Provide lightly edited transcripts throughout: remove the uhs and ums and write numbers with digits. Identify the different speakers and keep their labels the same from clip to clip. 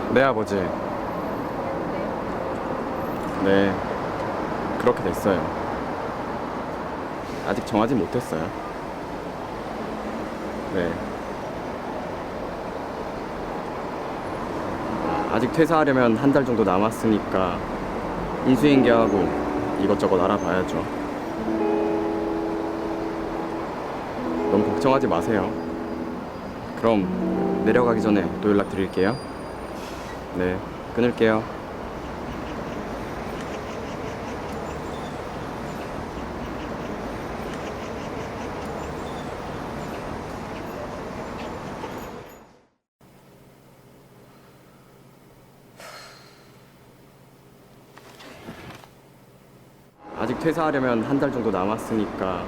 Speaker 1: 네, 아버지. 네, 그렇게 됐어요. 아직 정하지 못했어요. 네. 아직 퇴사하려면 한 달 정도 남았으니까 인수인계하고 이것저것 알아봐야죠. 너무 걱정하지 마세요. 그럼 내려가기 전에 또 연락드릴게요. 네, 끊을게요. 아직 퇴사하려면 한 달 정도 남았으니까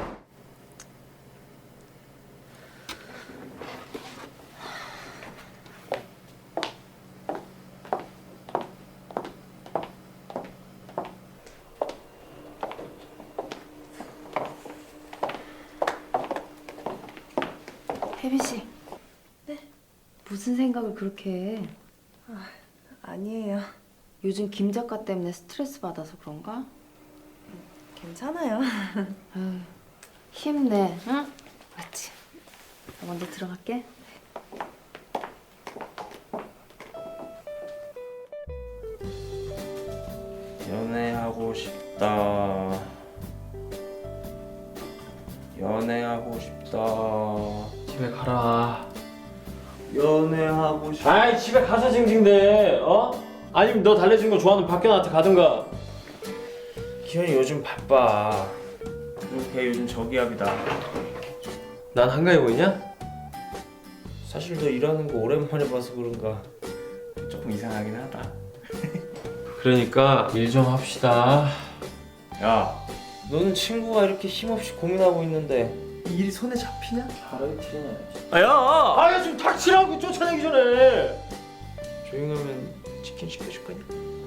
Speaker 2: 혜빈 씨. 네? 무슨 생각을 그렇게 해?
Speaker 3: 아니에요.
Speaker 2: 요즘 김 작가 때문에 스트레스 받아서 그런가?
Speaker 3: 괜찮아요.
Speaker 2: 아유, 힘내, 응? 맞지? 나 먼저 들어갈게.
Speaker 4: 연애하고 싶다. 연애하고 싶다.
Speaker 5: 집에 가라.
Speaker 4: 연애하고 싶다.
Speaker 5: 아이 집에 가서 징징대. 어? 아니면 너 달래준 거 좋아하는 박견한테 가든가.
Speaker 4: 기현이 요즘 바빠. 그리고 걔 요즘 저기압이다.
Speaker 5: 난 한가해 보이냐?
Speaker 4: 사실 너 일하는 거 오랜만에 봐서 그런가 조금 이상하긴 하다.
Speaker 5: 그러니까 일 좀 합시다.
Speaker 4: 야, 너는 친구가 이렇게 힘없이 고민하고 있는데
Speaker 5: 이 일이 손에 잡히냐? 바로 튀냐.
Speaker 4: 아야!
Speaker 5: 아야 좀 닥치라고 쫓아내기 전에.
Speaker 4: 조용하면 치킨 시켜줄 거냐?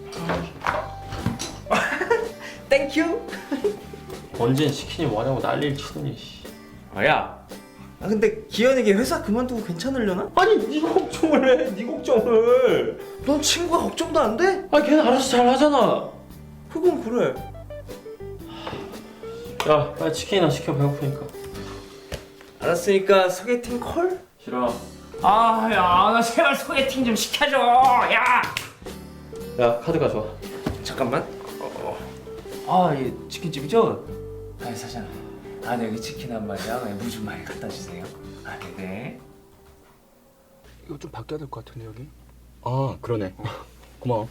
Speaker 5: 땡큐. 언젠 치킨이 뭐냐고 난리를 치더니.
Speaker 4: 아야! 아 근데 기현에게 회사 그만두고 괜찮으려나?
Speaker 5: 아니 네 걱정을 해. 네 걱정을.
Speaker 4: 넌 친구가 걱정도 안 돼?
Speaker 5: 아 걔는 알아서 잘 하잖아.
Speaker 4: 그건 그래.
Speaker 5: 야 빨리 치킨이나 시켜 배고프니까.
Speaker 4: 알았으니까 소개팅 콜?
Speaker 5: 싫어.
Speaker 4: 아, 야, 나 제발 소개팅 좀 시켜줘. 야!
Speaker 5: 야 카드 가져와.
Speaker 4: 잠깐만. 아, 예, 치킨집이죠? 아, 사장. 아, 네, 여기 치킨 한 마리랑 물 좀 많이 갖다 주세요. 아, 네.
Speaker 1: 이거 좀 바뀌어야 될 것 같은데 여기? 아, 그러네. 고마워.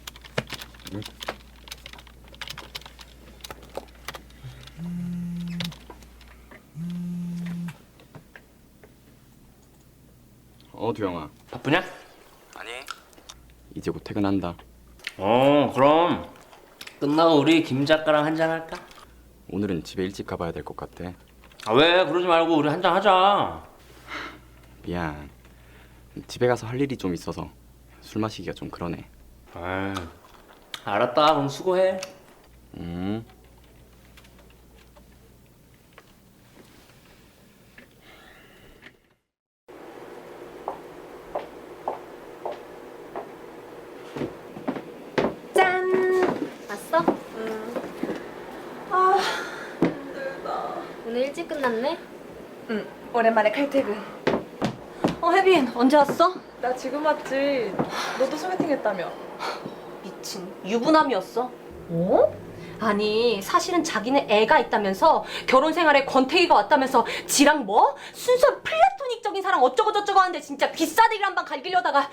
Speaker 1: 두영아.
Speaker 4: 바쁘냐?
Speaker 1: 아니. 이제 곧 퇴근한다.
Speaker 4: 그럼 끝나고 우리 김 작가랑 한잔 할까?
Speaker 1: 오늘은 집에 일찍 가봐야 될 것 같아.
Speaker 4: 아, 왜? 그러지 말고 우리 한잔 하자.
Speaker 1: 미안. 집에 가서 할 일이 좀 있어서 술 마시기가 좀 그러네.
Speaker 4: 아, 알았다. 그럼 수고해.
Speaker 1: 음.
Speaker 6: 짠! 왔어?
Speaker 3: 아, 힘들다.
Speaker 6: 오늘 일찍 끝났네?
Speaker 3: 응, 오랜만에 칼퇴근.
Speaker 6: 혜빈 언제 왔어?
Speaker 3: 나 지금 왔지. 너도 소개팅 했다며.
Speaker 6: 미친 유부남이었어. 어? 아니 사실은 자기는 애가 있다면서 결혼 생활에 권태기가 왔다면서 지랑 뭐? 순수한 플라토닉적인 사랑 어쩌고 저쩌고 하는데 진짜 비싸대기를 한 방 갈기려다가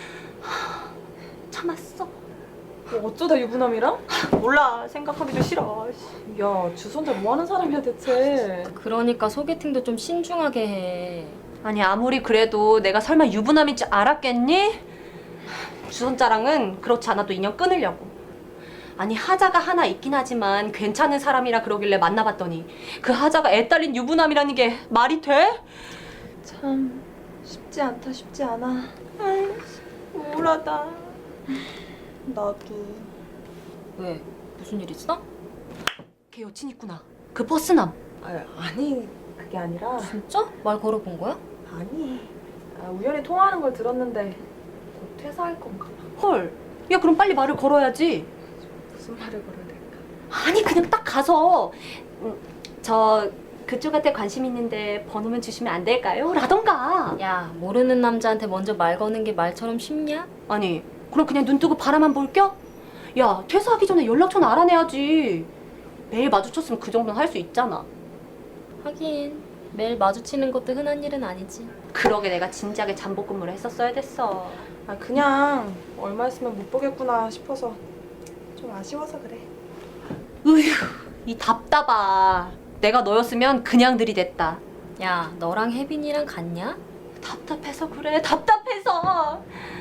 Speaker 6: 참았어.
Speaker 3: 어쩌다 유부남이랑?
Speaker 6: 몰라 생각하기도 싫어.
Speaker 3: 야, 주선자 뭐 하는 사람이야 대체?
Speaker 6: 그러니까 소개팅도 좀 신중하게 해. 아니 아무리 그래도 내가 설마 유부남인 줄 알았겠니? 주선자랑은 그렇지 않아도 인연 끊으려고. 아니 하자가 하나 있긴 하지만 괜찮은 사람이라 그러길래 만나봤더니 그 하자가 애 딸린 유부남이라는 게 말이 돼?
Speaker 3: 참 쉽지 않다, 쉽지 않아. 아이, 우울하다. 나도.
Speaker 6: 왜? 무슨 일 있어? 걔 여친 있구나. 그 버스남.
Speaker 3: 아니, 그게 아니라.
Speaker 6: 진짜? 말 걸어본 거야?
Speaker 3: 아니. 우연히 통화하는 걸 들었는데 곧 퇴사할 건가 봐.
Speaker 6: 헐, 야 그럼 빨리 말을 걸어야지.
Speaker 3: 무슨 말을 걸어야 될까?
Speaker 6: 아니 그냥 딱 가서 저 그쪽한테 관심 있는데 번호만 주시면 안 될까요? 라던가.
Speaker 2: 야, 모르는 남자한테 먼저 말 거는 게 말처럼 쉽냐?
Speaker 6: 아니 그럼 그냥 눈 뜨고 바라만 볼겨? 야 퇴사하기 전에 연락처는 알아내야지. 매일 마주쳤으면 그 정도는 할 수 있잖아.
Speaker 2: 하긴 매일 마주치는 것도 흔한 일은 아니지.
Speaker 6: 그러게 내가 진작에 잠복 근무를 했었어야 됐어.
Speaker 3: 아 그냥 얼마 있으면 못 보겠구나 싶어서 좀 아쉬워서 그래.
Speaker 6: 으휴 이 답답아. 내가 너였으면 그냥 들이댔다.
Speaker 2: 야, 너랑 혜빈이랑 같냐?
Speaker 6: 답답해서 그래 답답해서.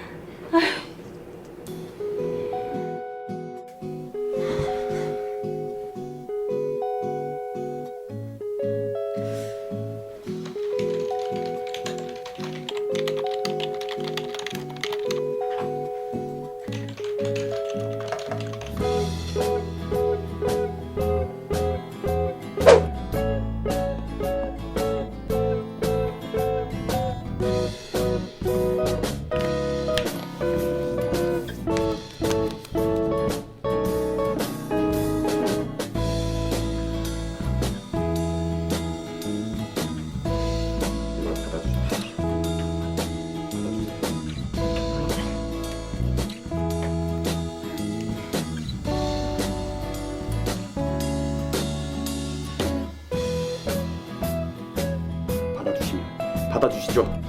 Speaker 1: 이걸 받아주십시오. 받아주시면 받아주시죠.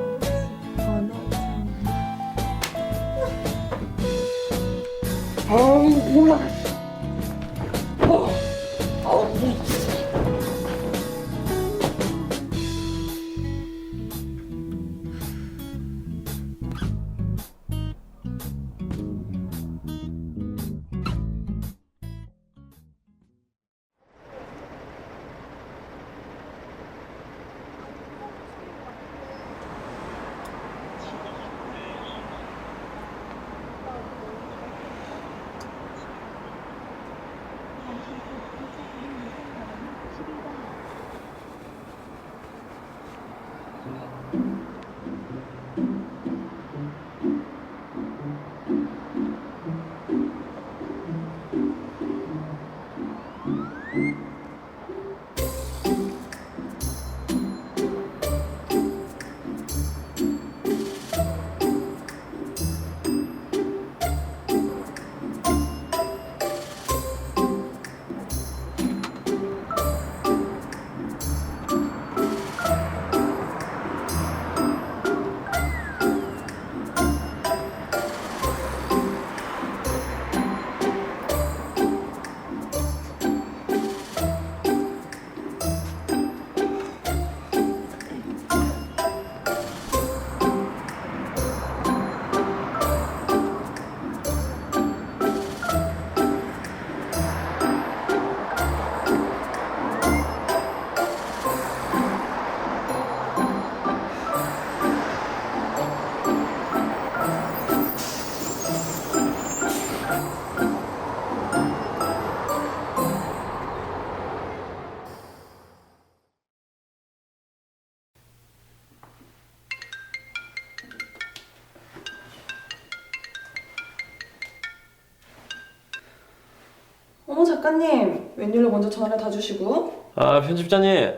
Speaker 3: 어머 작가님, 웬일로 먼저 전화를 다 주시고?
Speaker 5: 아 편집자님.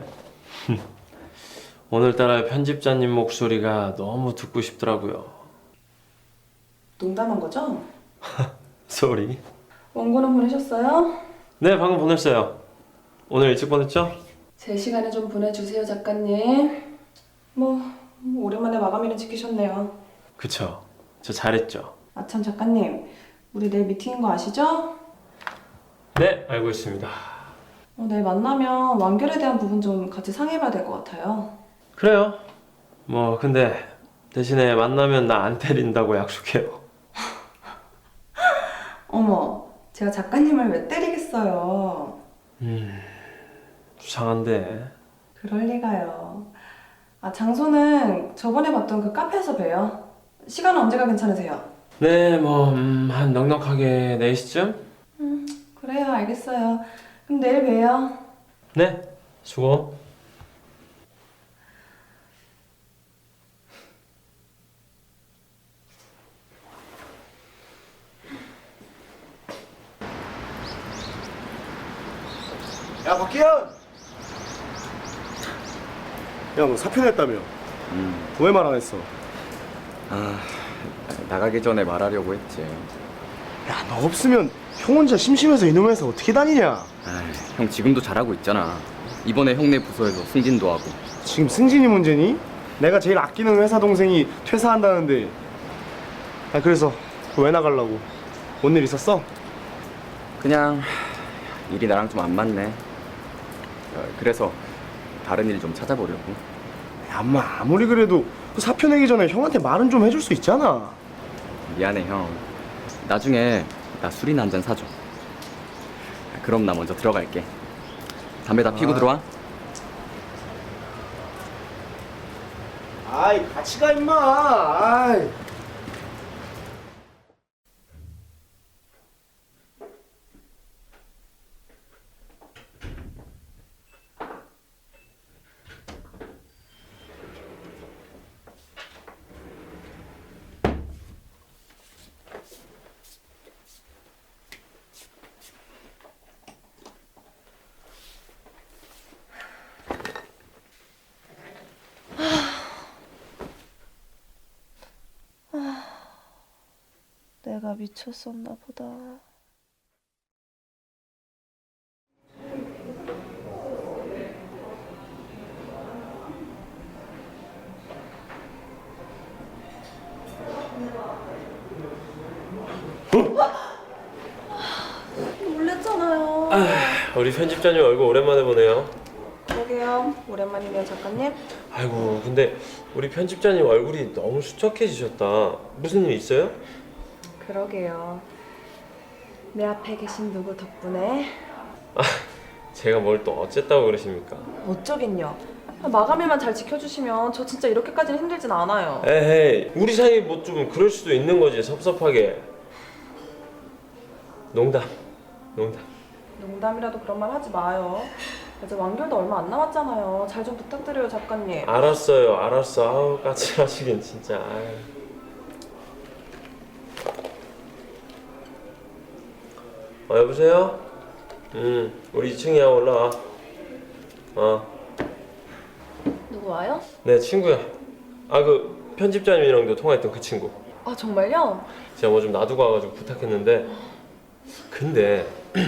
Speaker 5: 오늘따라 편집자님 목소리가 너무 듣고 싶더라고요.
Speaker 3: 농담한 거죠?
Speaker 5: 쏘리.
Speaker 3: 원고는 보내셨어요?
Speaker 5: 네 방금 보냈어요. 오늘 일찍 보냈죠?
Speaker 3: 제 시간에 좀 보내주세요 작가님. 뭐 오랜만에 마감일은 지키셨네요.
Speaker 5: 그쵸. 저 잘했죠.
Speaker 3: 아참 작가님, 우리 내일 미팅인 거 아시죠?
Speaker 5: 네 알고 있습니다.
Speaker 3: 내일 만나면 완결에 대한 부분 좀 같이 상의해봐야 될 것 같아요.
Speaker 5: 그래요. 뭐 근데 대신에 만나면 나 안 때린다고 약속해요.
Speaker 3: 어머, 제가 작가님을 왜 때리겠어요?
Speaker 5: 수상한데.
Speaker 3: 그럴 리가요. 아, 장소는 저번에 봤던 그 카페에서 봬요. 시간은 언제가 괜찮으세요?
Speaker 5: 네 뭐 한 넉넉하게 4시쯤?
Speaker 3: 그래요, 알겠어요. 그럼 내일 봬요.
Speaker 5: 네 수고.
Speaker 7: 야 박기현! 야 너 사표 냈다며? 왜 말 안 했어?
Speaker 1: 아, 나가기 전에 말하려고 했지.
Speaker 7: 야 너 없으면 형 혼자 심심해서 이놈 회사 어떻게 다니냐?
Speaker 1: 아, 형 지금도 잘하고 있잖아. 이번에 형네 부서에서 승진도 하고.
Speaker 7: 지금 승진이 문제니? 내가 제일 아끼는 회사 동생이 퇴사한다는데. 야 그래서 왜 나가려고? 뭔 일 있었어?
Speaker 1: 그냥 일이 나랑 좀 안 맞네. 그래서 다른 일 좀 찾아보려고.
Speaker 7: 야 엄마 아무리 그래도 그 사표 내기 전에 형한테 말은 좀 해줄 수 있잖아.
Speaker 1: 미안해 형. 나중에 나 술이나 한 잔 사줘. 그럼 나 먼저 들어갈게. 담배 다 피고 들어와.
Speaker 7: 아이 같이 가 임마. 아이.
Speaker 3: 내가 미쳤었나 보다. 놀랬잖아요.
Speaker 5: 우리 편집자님 얼굴 오랜만에 보네요.
Speaker 3: 그러게요. 오랜만이네요, 작가님.
Speaker 5: 아이고, 근데 우리 편집자님 얼굴이 너무 수척해지셨다. 무슨 일 있어요?
Speaker 3: 그러게요. 내 앞에 계신 누구 덕분에
Speaker 5: 제가 뭘 또 어쨌다고 그러십니까?
Speaker 3: 어쩌긴요. 마감일만 잘 지켜주시면 저 진짜 이렇게까지는 힘들진 않아요.
Speaker 5: 에헤이, 우리 사이 뭐 좀 그럴 수도 있는 거지, 섭섭하게. 농담.
Speaker 3: 농담이라도 그런 말 하지 마요. 이제 완결도 얼마 안 남았잖아요. 잘 좀 부탁드려요, 작가님.
Speaker 5: 알았어요. 아우, 까칠하시긴 진짜. 아유. 여보세요? 우리 2층이야. 올라와.
Speaker 3: 누구 와요?
Speaker 5: 네, 친구야. 그 편집자님이랑도 통화했던 그 친구.
Speaker 3: 아, 정말요?
Speaker 5: 제가 뭐 좀 놔두고 와가지고 부탁했는데, 근데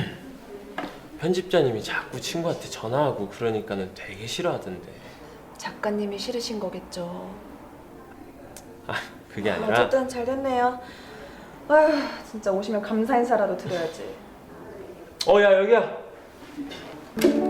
Speaker 5: 편집자님이 자꾸 친구한테 전화하고 그러니까는 되게 싫어하던데.
Speaker 3: 작가님이 싫으신 거겠죠.
Speaker 5: 그게 아니라.
Speaker 3: 어쨌든 잘 됐네요. 아휴, 진짜 오시면 감사 인사라도 드려야지.
Speaker 5: 야, 여기야.